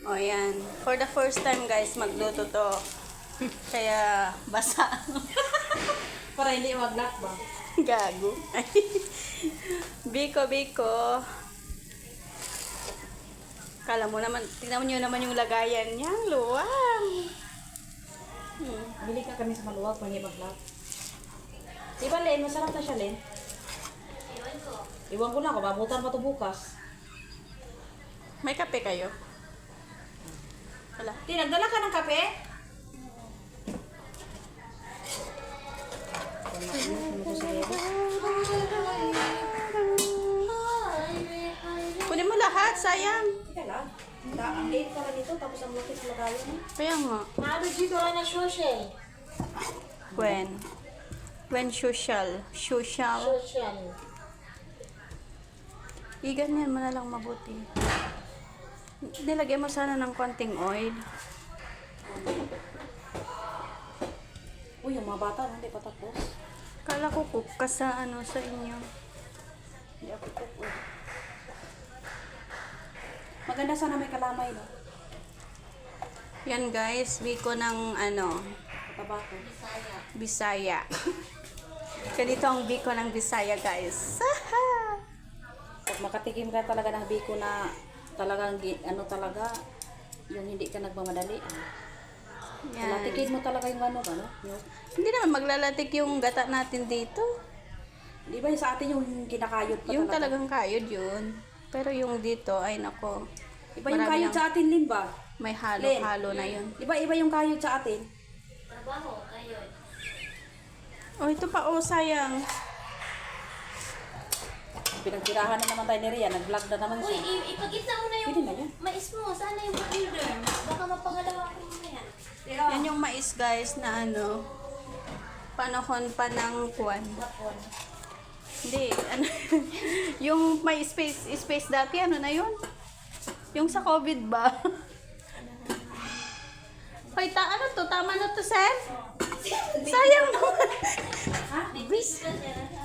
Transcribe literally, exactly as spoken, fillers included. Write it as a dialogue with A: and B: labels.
A: O yan. For the first time guys, magluto to. Kaya basa.
B: Para hindi mag-lock ba?
A: Gago. Biko, biko. Kala mo naman, tignan nyo naman yung lagayan niya. Ang luwang. Hmm.
B: Bili ka kami sa maluwag para hindi mag-lock. Di ba, Len? Masarap na siya, Len. Iwan ko. Iwan ko na ako. Mabutan pa ito bukas.
A: May kape kayo? Wala.
B: Di, nagdala ka ng kape?
A: Kunin mo lahat, sayang.
B: Teka lang. Da- Ang late pala nito, tapos ang laki sa lagayan mo.
A: Kaya nga.
C: Ano dito na social?
A: When? When social. Social.
C: Social.
A: Iganyan mo na lang mabuti. Nilagay mo sana ng konting oil.
B: Uy, yung mga bata, hindi pa tapos.
A: Kala ko cook ka sa ano sa inyo.
B: Hindi ako cook. Uy. Maganda sana may kalamay, no?
A: Yan guys, biko ng ano,
B: Tabako.
A: Bisaya. Ganito ang biko ng Bisaya guys.
B: Pag makatikim ka talaga ng biko na talagang, gi- ano talaga, yung hindi ka nagmamadali. Ah.
A: Yan.
B: Tikin mo talaga yung ano ba, no? Yung,
A: Hindi naman maglalatik yung gata natin dito.
B: di ba yung sa atin yung kinakayod pa
A: Yung
B: talaga?
A: talagang kayod yun. Pero yung dito, ay nako.
B: Iba yung
A: marami
B: kayod
A: ng-
B: sa atin, Lin ba?
A: May halo-halo na yun.
B: Di ba iba yung kayod sa atin?
C: Trabaho, kayo.
A: Oh, ito pa oh, sayang.
B: Pinagtirahan na naman tayo ni Rhea, nag-vlog na naman
C: Uy,
B: siya.
C: i- ipakita mo na yung
B: Pwede na yan.
C: mais mo. Sana yung order. Baka mapangalawa ko mo yan.
A: Yan yung mais guys na ano, panahon pa ng kuwan.
C: Hapon.
A: Hindi, ano, yung may space, space dati, ano na yun? Yung sa COVID ba? Hoy, ta, ano to? Tama na to, Sen? Sayang naman.
C: Ha? May bis ka siya.